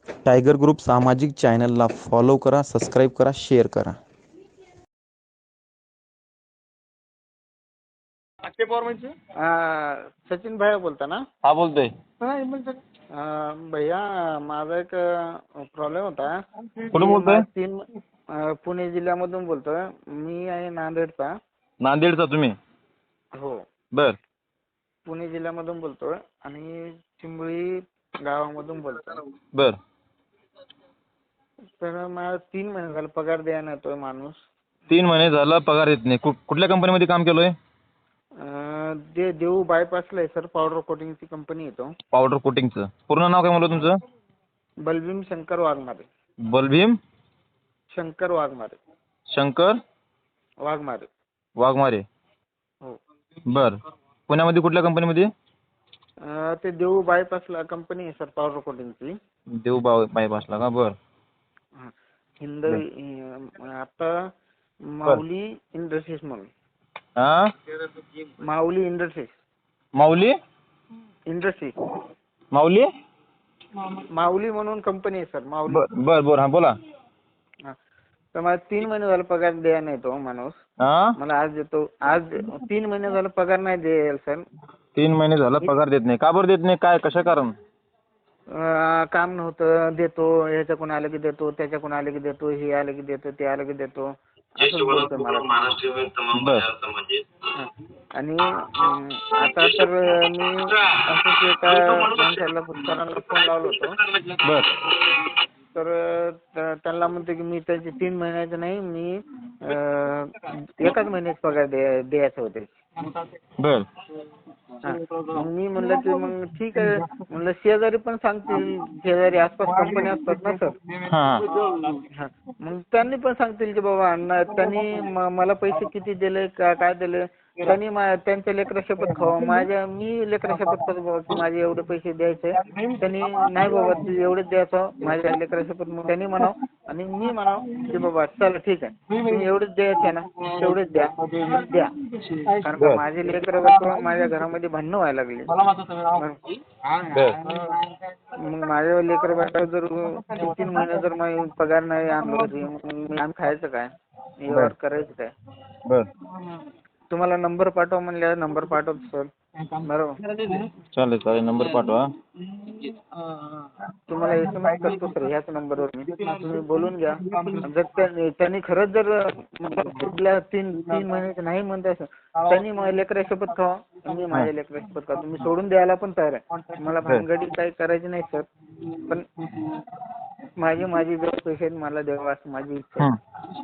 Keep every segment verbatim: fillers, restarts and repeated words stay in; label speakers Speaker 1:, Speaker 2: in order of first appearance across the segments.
Speaker 1: Tiger group सामाजिक चॅनलला follow करा, सबस्क्राईब करा, शेअर करा.
Speaker 2: अक्षय पवार म्हणजे
Speaker 3: सचिन भैया बोलता ना?
Speaker 2: हा बोलतोय.
Speaker 3: अं, भैया माझा एक प्रॉब्लेम होता.
Speaker 2: कुठून
Speaker 3: मी
Speaker 2: बोलतोय?
Speaker 3: मा- तीन अं, पुणे जिल्ह्यामधून बोलतोय. मी आहे नांदेडचा.
Speaker 2: नांदेडचा तुम्ही?
Speaker 3: हो,
Speaker 2: बर
Speaker 3: पुणे जिल्ह्यामधून बोलतोय आणि चिंबळी गावामधून बोलतोय.
Speaker 2: बर
Speaker 3: तर मला तीन महिने झाले पगार द्यायला येतोय माणूस.
Speaker 2: तीन महिने झाला पगार येत नाही. कु- कुठल्या कंपनीमध्ये काम केलोय?
Speaker 3: अं, दे देऊ बायपासला आहे सर. पावडर कोटिंगची कंपनी येतो.
Speaker 2: पावडर कोटिंगचं पूर्ण नाव काय म्हणलं तुमचं?
Speaker 3: बलभीम शंकर वाघमारे.
Speaker 2: बलभीम
Speaker 3: शंकर वाघमारे.
Speaker 2: शंकर
Speaker 3: वाघमारे.
Speaker 2: वाघमारे.
Speaker 3: हो.
Speaker 2: बर पुण्यामध्ये कुठल्या कंपनीमध्ये?
Speaker 3: अं, ते देऊ बायपासला कंपनी आहे सर पावडर कोटिंगची.
Speaker 2: देव बाव बायपासला का? बर
Speaker 3: हा. हिंद अं, आता माऊली इंडस्ट्रीज म्हणून.
Speaker 2: हा
Speaker 3: माऊली इंडस्ट्रीज.
Speaker 2: माऊली
Speaker 3: इंडस्ट्री
Speaker 2: माऊली
Speaker 3: माऊली म्हणून कंपनी आहे सर. माऊली.
Speaker 2: बर बर बर हा बोला.
Speaker 3: हा. तर मला तीन महिने झाले पगार द्यायला नाही तो माणूस.
Speaker 2: हा
Speaker 3: मला आज देतो. आज तीन महिने झाले पगार नाही द्यायला सर.
Speaker 2: तीन महिने झाला पगार देत नाही. का बरं देत नाही? काय कशा कारण?
Speaker 3: अं, काम नव्हतं. देतो ह्याच्याकडून आलं की देतो, त्याच्याकडून आलं की देतो, हे आलं की देतो, ते आलं की देतो असंच बोलतोय मला.
Speaker 2: बर
Speaker 3: हा. आणि अं, आता तर मी असंच एका माणसाला सरांना फोन लावलो होतो.
Speaker 2: बर
Speaker 3: तर त- त्यांना म्हणतो की मी त्याचे तीन महिन्याचे नाही, मी अं, एकाच महिन्याचे पगार द्या द्यायचे होते.
Speaker 2: बर
Speaker 3: हा. मग मी म्हणलं की मग ठीक आहे म्हणलं, शेजारी पण सांगतील, शेजारी आसपास कंपनी असतात ना सर.
Speaker 2: हा
Speaker 3: हा. मग त्यांनी पण सांगतील की बाबा अण्णा त्यांनी म- मला पैसे किती दिले, का काय दिले, त्यांनी मा- त्यांच्या लेकरा शपथ खावा. माझ्या मी लेकरा शपथ खातो बाबा की माझे एवढे पैसे द्यायचे. त्यांनी नाही बाबा तू एवढेच द्यायचं माझ्या लेकरा शपथ. मग त्यांनी म्हणाव आणि मी म्हणाव की बाबा चला ठीक आहे तुम्ही एवढेच द्यायचे ना तेवढेच द्या. मग द्या. कारण का माझे लेकरं बायको माझ्या घरामध्ये भांडणं व्हायला लागली. मग माझ्या लेकर बायको जर तीन तीन महिने जर माझी पगार नाही आणला तरी मग मी आम्ही खायचं काय? व्यवहार करायचं काय?
Speaker 2: बर
Speaker 3: तुम्हाला नंबर पाठवा म्हणल्यावर नंबर पाठवतो सर. बरोबर.
Speaker 2: चालेल चालेल नंबर पाठवा.
Speaker 3: तुम्हाला एस एम एस करतो सर ह्याच नंबरवर मी. तुम्ही बोलून घ्या. जर त्या- त्यांनी खरंच जर कुठल्या तीन तीन महिन्याचे नाही म्हणताय सर, त्यांनी माझ्या लेकरा शपथ खावा, मी माझ्या लेकरा शपथ खावा. तुम्ही सोडून द्यायला पण तयार आहे. मला भानगडी काही करायची नाही सर. पण माझी माझी जर पैसे आहेत मला द्यावा असं माझी इच्छा आहे.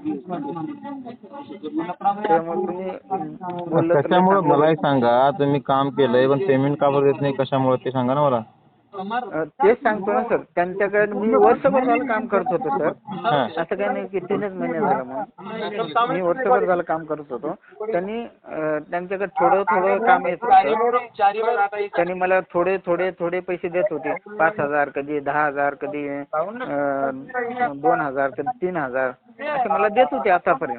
Speaker 3: त्यामुळे तुम्ही बोललं तर लय
Speaker 2: कशामुळे
Speaker 3: चांगलं
Speaker 2: मला
Speaker 3: होईल.
Speaker 2: एक सांगा, तुम्ही काम केलंय पण पेमेंट का बरं देत नाही? कशामुळे ते सांगा ना मला.
Speaker 3: अं, तेच सांगतो ना सर. त्यांच्याकडे मी वर्षभर झालं काम करत होतो सर.
Speaker 2: हा
Speaker 3: असं काही नाही की तीनच महिने झालं म्हणून. मी वर्षभर झालं काम करत होतो. त्यांनी अं, त्यांच्याकडे थोडं थोडं काम येत होतं. त्यांनी मला थोडे थोडे थोडे पैसे देत होते. पाच हजार कधी दहा हजार कधी अं, दोन हजार कधी तीन हजार असे मला देत होते आतापर्यंत.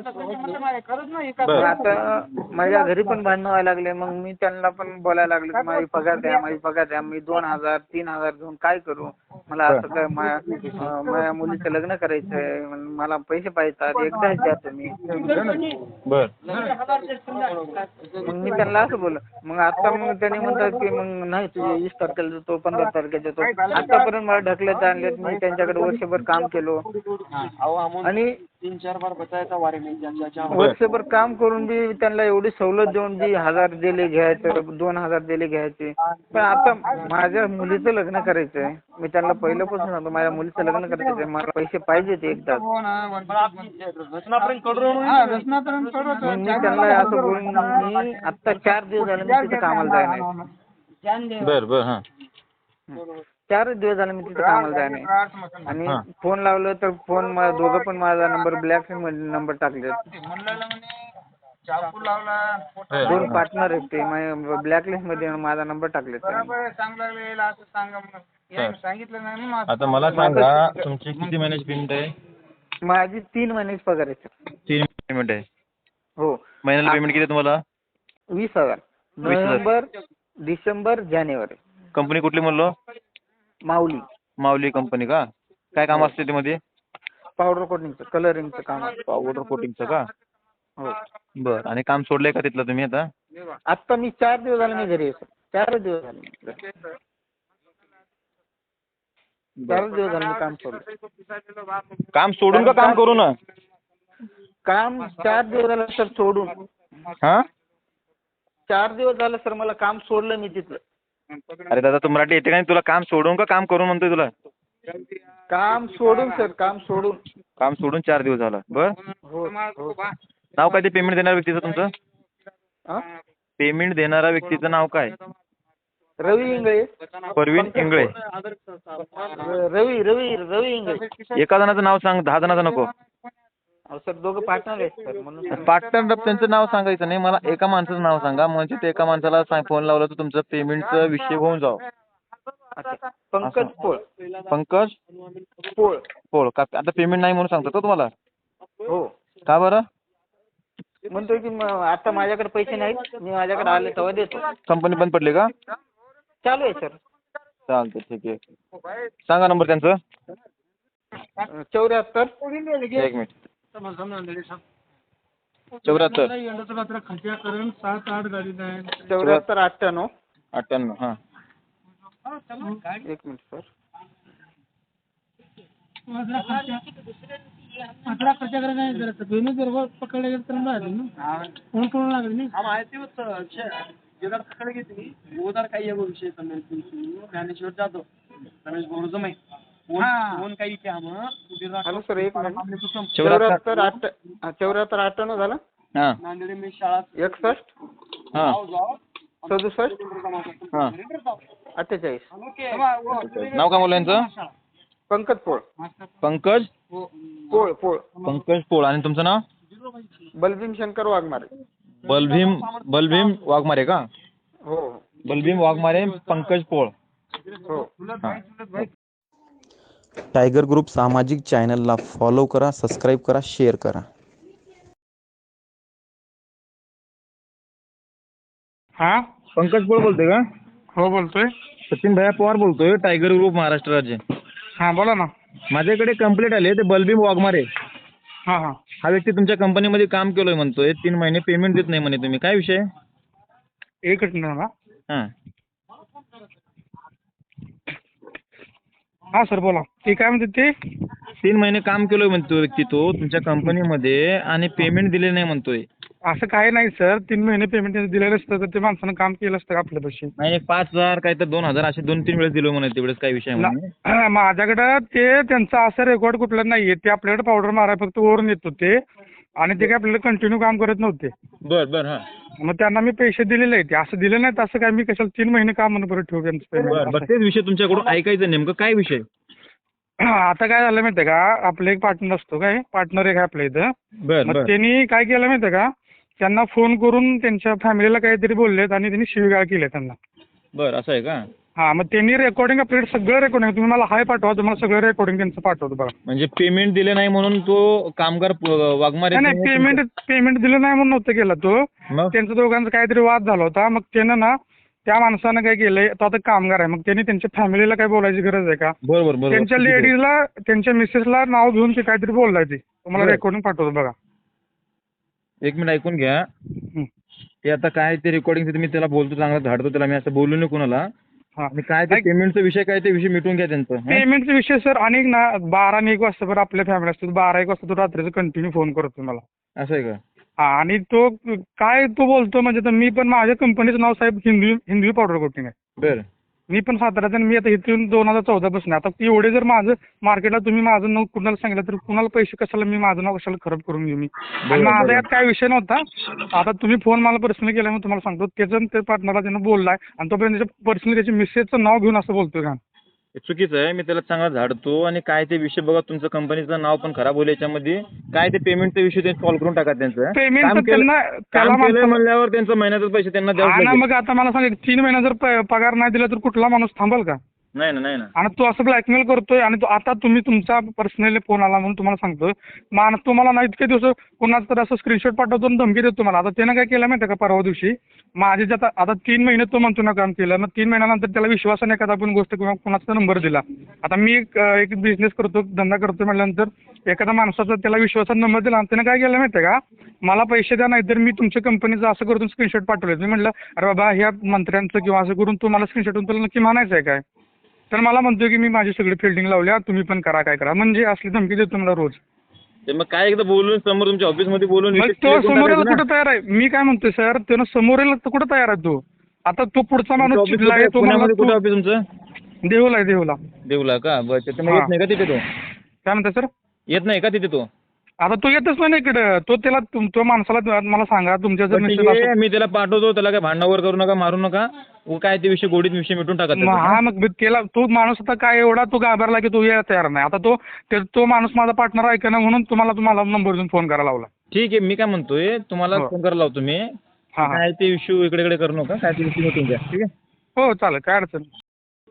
Speaker 3: मग आता माझ्या घरी पण भांडणं व्हायला लागले. मग मी त्यांना पण बोलायला लागलो की माझी पगार द्या माझी पगार द्या. मी दोन हजार तीन हजार घेऊन काय करू? मला असं काय माझ्या अं, माझ्या मुलीचं लग्न करायचंय. मला पैसे पाहिजेत एकदाच द्या तुम्ही.
Speaker 2: बर
Speaker 3: मग मी त्यांना असं बोललो. मग आता मग त्यांनी म्हणतात की मग नाही तुझे वीस तारखेला देतो पंधरा तारखेला देतो. आतापर्यंत मला ढकलत आणलेत. मी त्यांच्याकडे वर्षभर काम केलो आणि वर्षभर काम करून बी त्यांना एवढी सवलत देऊन बी हजार दिले घ्यायचं, दोन हजार दिले घ्यायचे. पण आता माझ्या मुलीचं लग्न करायचंय. मी त्यांना पहिल्यापासून सांगतो माझ्या मुलीचं लग्न करायचंय. मला पैसे पाहिजेत एकदाच. मग मी त्यांना असं बोलून मी आता चार दिवस झाले मी तिथे कामाला जाय नाही.
Speaker 2: बर बर हा
Speaker 3: चारच दिवस झाले मी तिथे कामाला जाय नाही. आणि फोन लावलं तर फोन दोघं पण माझा नंबर ब्लॅक मध्ये नंबर टाकले. दोन पार्टनर आहेत ते माझ्या ब्लॅकलिस्ट मध्ये माझा नंबर टाकले.
Speaker 2: आता मला सांगा तुमची किती महिन्याची पेमेंट आहे?
Speaker 3: माझी तीन महिन्याची पगार आहे सर.
Speaker 2: तीन पेमेंट आहे.
Speaker 3: हो.
Speaker 2: महिन्याला पेमेंट किती आहे तुम्हाला?
Speaker 3: वीस हजार. नोव्हेंबर डिसेंबर जानेवारी.
Speaker 2: कंपनी कुठली म्हणलो?
Speaker 3: माऊली.
Speaker 2: माऊली कंपनी का? काय काम असते त्यामध्ये?
Speaker 3: पावडर कोटिंगचं, कलरिंगचं काम आहे.
Speaker 2: पावडर कोटिंगचं का?
Speaker 3: हो.
Speaker 2: बरं. आणि काम सोडलंय का तिथलं तुम्ही आता?
Speaker 3: आत्ता मी चार दिवस झाले मी घरी आहे सर. चार दिवस झाले. चार दिवस झाले मी काम सोडलं.
Speaker 2: काम सोडून का काम करू ना?
Speaker 3: काम चार दिवस झालं सर सोडून.
Speaker 2: हा?
Speaker 3: चार दिवस झालं सर मला काम सोडलं मी तिथलं.
Speaker 2: अरे दादा, तू मराठी येते का नाही? तुला काम सोडून का काम करून म्हणतोय तुला?
Speaker 3: काम सोडून सर, काम सोडून.
Speaker 2: काम सोडून चार दिवस झालं. बरं.
Speaker 3: हो हो.
Speaker 2: नाव काय ते पेमेंट देणाऱ्या व्यक्तीचं तुमचं?
Speaker 3: हा?
Speaker 2: पेमेंट देणाऱ्या व्यक्तीचं नाव काय?
Speaker 3: रवी इंगळे.
Speaker 2: परवीन इंगळे.
Speaker 3: रवी रवी रवी इंगळे.
Speaker 2: एका जणाचं नाव सांग, दहा जणाचं नको.
Speaker 3: अहो सर दोघं पार्टनर आहेत सर म्हणून.
Speaker 2: पार्टनर त्यांचं नाव सांगायचं नाही, मला एका माणसाचं नाव सांगा. म्हणजे ते एका माणसाला सांग, फोन लावला तर तुमचं पेमेंटचा विषय होऊन जाव.
Speaker 3: अच्छा. पंकज पोळ.
Speaker 2: पंकज
Speaker 3: पोळ.
Speaker 2: पोळ का? आता पेमेंट नाही म्हणून सांगतो का तुम्हाला?
Speaker 3: हो.
Speaker 2: का बरं?
Speaker 3: म्हणतोय की म- आता माझ्याकडे पैसे नाहीत, मी माझ्याकडे आले तेव्हा देतो.
Speaker 2: कंपनी बंद पडली का?
Speaker 3: चालू आहे सर.
Speaker 2: चालतं, ठीक आहे. सांगा नंबर त्यांचं.
Speaker 3: चौऱ्याहत्तर
Speaker 2: एक मिनिट. चौऱ्याहत्तर
Speaker 3: चौऱ्याहत्तर अठ्ठ्याण्णव.
Speaker 2: अठ्ठ्याण्णव. हां.
Speaker 3: एक मिनिट सर.
Speaker 4: अकरा खर्चा करा नाही जरा दोन्ही बरोबर पकडले गेले तर ना कोण कोण लागले नाही हा माहिती होतं जगात पकडले घेतली गोदार काही आहे विषय ज्ञानेश्वर जाधव रमेश बोरजम माहिती कोण काही क्या मग
Speaker 3: हॅलो सर एक मिनिट. चौऱ्याहत्तर आठ चौऱ्याहत्तर अठ्ठ्याण्णव झालं.
Speaker 2: हां.
Speaker 4: नांदेड मी शाळा
Speaker 3: एकसष्ट
Speaker 2: हां.
Speaker 3: सदुसष्ट
Speaker 2: हां.
Speaker 3: अठ्ठेचाळीस.
Speaker 2: नाव काय बोललं यांचं?
Speaker 3: पंकज पोळ.
Speaker 2: पंकज
Speaker 3: पोळ पोळ.
Speaker 2: पंकज पोळ. आणि तुमचं नाव?
Speaker 3: बलभीम शंकर वाघमारे.
Speaker 2: बलभीम बलभीम वाघमारे का?
Speaker 3: हो
Speaker 2: बलभीम वाघमारे, पंकज पोळ.
Speaker 3: हो.
Speaker 2: हां.
Speaker 1: टायगर ग्रुप सामाजिक चॅनलला फॉलो करा, सबस्क्राईब करा, शेअर करा.
Speaker 4: हा
Speaker 2: पंकज पोळ बोलतोय का?
Speaker 4: हो बोलतोय.
Speaker 2: सचिन भैया पवार बोलतोय, टायगर ग्रुप महाराष्ट्र राज्य.
Speaker 4: हा बोला ना.
Speaker 2: माझ्याकडे कंप्लेंट आली आहे, ते बलभीम वाघमारे
Speaker 4: हा हा
Speaker 2: हा व्यक्ती तुमच्या कंपनीमध्ये काम केलोय म्हणतोय, तीन महिने पेमेंट देत नाही म्हणे तुम्ही. काय विषय?
Speaker 4: एक मिनिट ना.
Speaker 2: हां.
Speaker 4: हा सर बोला. ते काय म्हणते ते?
Speaker 2: तीन महिने काम केलोय म्हणतो व्यक्ती तो तुमच्या कंपनीमध्ये आणि पेमेंट दिले नाही म्हणतोय.
Speaker 4: असं काही नाही सर. तीन महिने पेमेंट दिलेलं असतं तर ते माणसानं काम केलं असतं का आपल्यापाशी?
Speaker 2: नाही, एक पाच हजार काय तर दोन हजार असे दोन तीन वेळेस दिलो म्हणे. तेवढेच काय विषय म्हणे.
Speaker 4: ना- माझ्याकडं ते त्यांचं असं रेकॉर्ड कुठलं नाहीये. ते आपल्याकडे पावडर माराय फक्त वरून येत होते आणि ते काय आपल्याला कंटिन्यू काम करत नव्हते.
Speaker 2: बर बर. हां.
Speaker 4: मग त्यांना मी पैसे दिलेले आहेत. असं दिले नाहीत असं काय मी कशाला तीन महिने काम म्हणून परत ठेवू त्यांचं
Speaker 2: बर बर.
Speaker 4: पेमेंट?
Speaker 2: तेच विषय तुमच्याकडून ऐकायचं नेमकं काय विषय?
Speaker 4: आता काय झालं माहितीये का, आपलं एक पार्टनर असतो काय पार्टनर एक आहे आपल्या इथं.
Speaker 2: बर
Speaker 4: मग
Speaker 2: बर.
Speaker 4: त्यांनी काय केलं माहितीये का, त्यांना फोन करून त्यांच्या फॅमिलीला काहीतरी बोललेत आणि त्यांनी शिवीगाळ केली त्यांना.
Speaker 2: बर असं आहे का?
Speaker 4: हा मग त्यांनी रेकॉर्डिंग आपल्याकडे सगळं रेकॉर्डिंग तुम्ही मला हाय पाठवा, तुम्हाला सगळं रेकॉर्डिंग त्यांचं पाठवतो बघा.
Speaker 2: म्हणजे पेमेंट दिले नाही म्हणून तो कामगार प- वाघमारे
Speaker 4: नाही नाही पेमेंट पेमेंट दिलं नाही म्हणून नव्हतं केलं तो.
Speaker 2: मग
Speaker 4: त्यांचं दोघांचा काहीतरी वाद झाला होता. मग त्यानं ना त्या माणसानं काय केलंय, तो आता कामगार आहे, मग त्यांनी त्यांच्या फॅमिलीला काय बोलायची गरज आहे का?
Speaker 2: बरोबर बरोबर.
Speaker 4: त्यांच्या लेडीजला त्यांच्या मिसेसला नाव घेऊन ते काहीतरी बोललाय ते. तुम्हाला
Speaker 2: बरं.
Speaker 4: रेकॉर्डिंग पाठवतो बघा.
Speaker 2: एक मिनिट ऐकून घ्या.
Speaker 4: हं.
Speaker 2: ते आता काय ते रेकॉर्डिंग मी त्याला बोलतो, चांगला धाडतो त्याला, मी असं बोलू नये कुणाला.
Speaker 4: हा
Speaker 2: आणि काय ते पेमेंटचा विषय काय ते विषय मिटून घ्या त्यांचं. हं?
Speaker 4: पेमेंटचा विषय सर अनेक ना बारा आणि एक वाजता बरं आपल्या फॅमिली असतो, बारा एक वाजता तो रात्रीचं कंटिन्यू फोन करतो मला.
Speaker 2: असं आहे का?
Speaker 4: हा आणि तो काय तो बोलतो म्हणजे तर मी पण माझ्या कंपनीचं नाव साहेब हिंदवी हिंदवी पावडर कोटिंग आहे.
Speaker 2: बरं.
Speaker 4: मी पण साताऱ्याचा आणि मी आता इथून दोन हजार चौदा पासून आता एवढे जर माझं मार्केटला तुम्ही माझं नाव कुणाला सांगितलं तर कुणाला पैसे कशाला मी माझं नाव कशाला खराब करून घेऊ मी. आणि माझा यात काय विषय नव्हता. आता तुम्ही फोन मला पर्सनली केला म्हणून तुम्हाला सांगतो त्याचं त्या पार्टनरला त्यानं बोललाय आणि तोपर्यंत त्याच्या पर्सनली त्याच्या मिसेसचं नाव घेऊन असं बोलतोय का?
Speaker 2: हे चुकीचं आहे. मी त्याला चांगला झाडतो आणि काय ते विषय बघा, तुमचं कंपनीचं नाव पण खराब होईल याच्यामध्ये. काय ते पेमेंटचा विषय ते सॉल्व्ह करून टाका त्यांचं.
Speaker 4: पेमेंट
Speaker 2: काम केलं-
Speaker 4: त्यांना त्याला
Speaker 2: काम केलंय
Speaker 4: माणसाला-
Speaker 2: म्हणल्यावर त्यांचं महिन्याचे पैसे त्यांना
Speaker 4: हा
Speaker 2: द्यावं
Speaker 4: ना
Speaker 2: लागेल.
Speaker 4: मग आता मला सांग तीन महिना जर प- पगार नाही दिला तर कुठला माणूस थांबल का?
Speaker 2: नाही ना नाही ना
Speaker 4: आणि तो असं ब्लॅकमेल करतोय आणि तो आता तुम्ही तुमचा पर्सनली फोन आला म्हणून तुम्हाला सांगतोय मान तुम्हाला ना इतके दिवस कोणाचं तर असं स्क्रीनशॉट पाठवतो आणि धमकी देतो तुम्हाला. आता त्यानं काय केलं माहिती आहे का परवा दिवशी माझे जे आता आता तीन महिने तो म्हणतो ना काम केलं, मग तीन महिन्यानंतर त्याला विश्वासाने एखादा आपण गोष्ट किंवा कोणाचा नंबर दिला. आता मी एक एक बिझनेस करतो धंदा करतो म्हटल्यानंतर एखाद्या माणसाचा त्याला विश्वासात नंबर दिला आणि त्यानं काय केलं माहिती आहे का, मला पैसे द्या नाही तर मी तुमच्या कंपनीचं असं करून स्क्रीनशॉट पाठवले. मी म्हटलं अरे बाबा ह्या मंत्र्यांचं किंवा असं करून तू मला स्क्रीनशॉट तुला नक्की म्हणायचं आहे काय. तर मला म्हणतोय की मी माझी सगळी फिल्डिंग लावल्या तुम्ही पण करा काय करा, म्हणजे असली धमकी देतो मला रोज.
Speaker 2: ते मग काय एकदा बोलून समोर तुमच्या ऑफिसमध्ये बोलून
Speaker 4: मग
Speaker 2: विषय
Speaker 4: तो
Speaker 2: clear करून
Speaker 4: समोर
Speaker 2: टाकायचा
Speaker 4: यायला
Speaker 2: ना.
Speaker 4: कुठं तयार आहे, मी काय म्हणतोय सर त्यानं समोर यायला तर कुठं तयार आहे तो. आता तो पुढचा माणूस
Speaker 2: तुमचं
Speaker 4: चिडला आहे
Speaker 2: office
Speaker 4: तो
Speaker 2: कुठे-
Speaker 4: मला
Speaker 2: पुण्यामध्ये कुठे ऑफिस तुमचं?
Speaker 4: देहूला आहे देहूला.
Speaker 2: देवला का? बरं तिथे मग
Speaker 4: हा.
Speaker 2: येत नाही का तिथे तो?
Speaker 4: काय म्हणताय सर.
Speaker 2: येत नाही का तिथे तो?
Speaker 4: आता तो येतच नाही ना इकडं. तो त्याला तुम- तो माणसाला मला सांगा तुमच्या जर
Speaker 2: बरं, ठीक
Speaker 4: मिसेस
Speaker 2: आहे, मी त्याला पाठवतो, त्याला काय भांडणावर करू नका, मारू नका. उ काय ते विषय गोडीत विषय मिटून टाका
Speaker 4: मग
Speaker 2: त्याचा.
Speaker 4: हा मग त्याला तो माणूस आता काय एवढा तो घाबरला की तो यायला तयार नाही. आता तो ते- तो माणूस माझा पार्टनर आहे का ना म्हणून तुम्हाला तुम्हाला नंबर देऊन फोन करायला लावला.
Speaker 2: ठीक आहे, मी काय म्हणतोय तुम्हाला
Speaker 4: हो.
Speaker 2: फोन करायला लावतो मी.
Speaker 4: हा हा
Speaker 2: काय ते इश्यू इकडे इकडे करू नका, काय ते विषय मिटून द्या, ठीक आहे?
Speaker 4: हो चालेल काय अडचण नाही.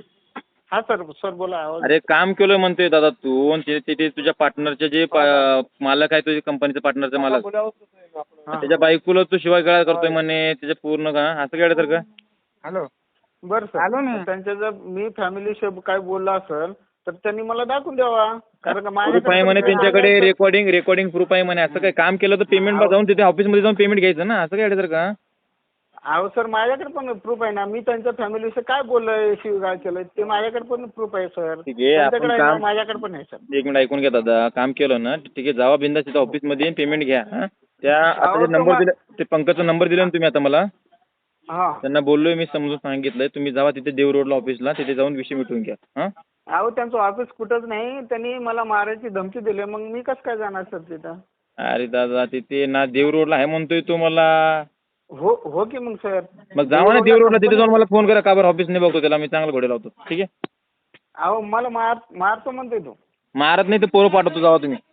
Speaker 3: हा सर सर बोला आवाज.
Speaker 2: अरे काम केलं म्हणतोय दादा तू, आणि ते- ते तुझ्या पार्टनरचे जे पा- मालक आहे तुझ्या कंपनीचा पार्टनरचा मालक,
Speaker 3: हा.
Speaker 2: त्याच्या बायकोला तू शिवाय गळा करतोय म्हणे त्याच्या पूर्ण का असं काय तर का?
Speaker 3: हॅलो बरं सर त्यांच्या जर मी फॅमिली काय बोलला असेल तर त्यांनी मला दाखवून द्यावा, कारण का
Speaker 2: प्रूफ आहे म्हणे त्यांच्याकडे, रेकॉर्डिंग रेकॉर्डिंग प्रूफ आहे म्हणे. असं काय काम केलं तर पेमेंट जाऊन तिथे ऑफिसमध्ये जाऊन पेमेंट घ्यायचं ना, असं काय तर का?
Speaker 3: अहो सर माझ्याकडे पण प्रूफ आहे ना, मी त्यांच्या फॅमिलीविषयी काय बोललोय शिवगाळ केलं ते माझ्याकडे पण प्रूफ आहे सर.
Speaker 2: ठीक आहे, आपण
Speaker 3: त्यांच्याकडे आहे ना,
Speaker 2: काम-
Speaker 3: माझ्याकडे पण आहे सर.
Speaker 2: एक मिनिट ऐकून घ्या दादा, काम केलं ना ठीक आहे, जावा बिंदास तिथं ऑफिसमध्ये पेमेंट घ्या. हा? त्या आता
Speaker 3: अहो,
Speaker 2: जे नंबर
Speaker 3: तुम्हा-
Speaker 2: दिले ते पंकजचा नंबर दिला ना तुम्ही आता मला,
Speaker 3: हा
Speaker 2: त्यांना बोललोय मी, समजून सांगितलंय तुम्ही जावा तिथे देव रोडला ऑफिसला, तिथे जाऊन विषय मिटवून घ्या. हा
Speaker 3: अहो त्यांचं ऑफिस कुठंच नाही, त्यांनी मला मारायची धमकी दिली, मग मी कसं काय जाणार सर तिथं.
Speaker 2: अरे दादा तिथे ना देव रोडला आहे म्हणतोय तो मला.
Speaker 3: हो हो की मग सर.
Speaker 2: मग जावा ना देव रोडला, तिथे जाऊन मला फोन करा, का बरं ऑफिस नाही बघतो त्याला, मी चांगला घोडे लावतो, ठीक आहे?
Speaker 3: अहो मला मार मारतो म्हणतोय तो.
Speaker 2: मारत नाही तर पोरं पाठवतो, जावा तुम्ही.